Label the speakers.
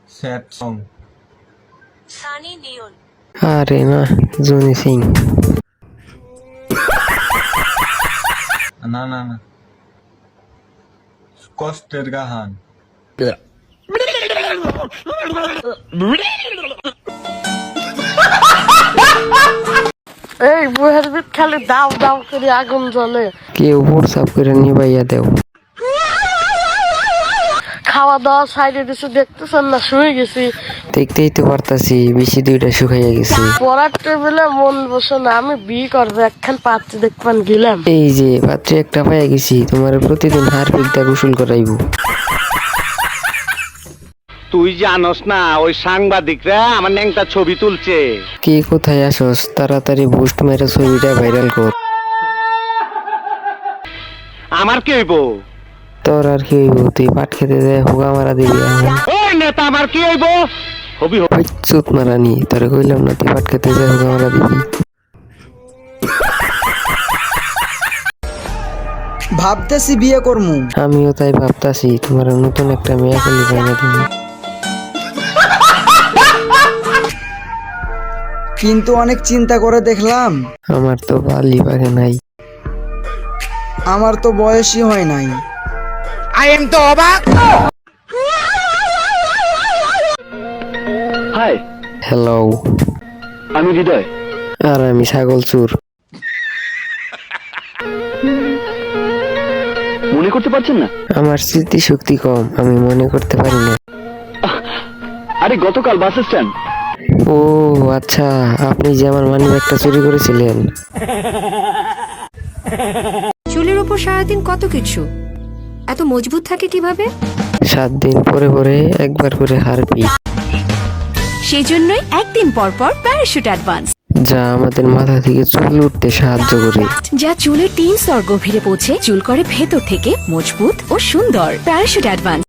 Speaker 1: Sad song.
Speaker 2: Sunny Leone.
Speaker 3: আরে না, Johnny Singh.
Speaker 1: না না না, কষ্টের গাহান।
Speaker 4: এই বুহের ভিত খালি দাও দাও করে আগুন জ্বলে।
Speaker 3: কেউ হোয়াটসঅ্যাপ করে নিবাইয়া দেও।
Speaker 4: খাওয়া দাওয়া সাইডে দিছে, দেখতেছেন না, শুয়ে গেছি।
Speaker 3: দেখতেই তো পারতাছি বেশি দুইটা শুকাইয়া গেছে।
Speaker 4: পড়ার টেবিলে মন বসে না, আমি বিয়ে করবো, একখান পাত্রী দেখবেন গেলাম।
Speaker 3: এই যে পাত্রে একটা পাইয়া গেছি, তোমার প্রতিদিন হারপিক দা গোসল করাইবো।
Speaker 5: তুই জানোস না ওই সাংবাদিকরা আমার ন্যাংটা ছবি তুলছে।
Speaker 3: কে কোথায় আসস, তাড়াতাড়ি বুস্ট মেরে ছবিটা ভাইরাল কর।
Speaker 5: আমার কি হইব?
Speaker 3: তোর আর কি হইব, তুই পাট খেতে যায় হুগা মারা দিবি এখন।
Speaker 5: ওই নেতা আমার কি হইব? হবি
Speaker 3: ওই চুত মারানি, তোরে কইলাম না তুই পাট খেতে যায় হুগা মারা দিবি।
Speaker 6: ভাবতেছি বিয়ে করমু।
Speaker 3: আমিও তাই ভাবতাছি, তোমার নতুন একটা মেয়ে কলি বাইনা দিবি।
Speaker 6: কিন্তু অনেক চিন্তা করে দেখলাম
Speaker 3: আমার তো বালি বাগে নাই।
Speaker 6: আমার তো বয়সই হয় নাই।
Speaker 5: হাই,
Speaker 3: হ্যালো,
Speaker 5: আমি হৃদয়।
Speaker 3: আর আমি ছাগল চুর।
Speaker 5: মনে করতে পারছেন না?
Speaker 3: আমার স্মৃতি শক্তি কম, আমি মনে করতে পারি না।
Speaker 5: আরে গতকাল বাস স্ট্যান্ড।
Speaker 3: ও আচ্ছা, আপনি যে আমার মানি ব্যাগটা চুরি করেছিলেন।
Speaker 7: চুলের উপর সারাদিন কত কিছু, এত মজবুত থাকে কিভাবে?
Speaker 3: 7 দিন পরে পরে একবার করে হারপি,
Speaker 7: সেই জন্যই একদিন পর পর প্যারাশুট অ্যাডভান্স,
Speaker 3: যা আমাদের মাথা থেকে চুল উঠতে সাহায্য করে।
Speaker 7: যা চুলের 3 স্তর গভীরে পৌঁছে চুল করে ভেতর থেকে মজবুত ও সুন্দর। Parachute advance.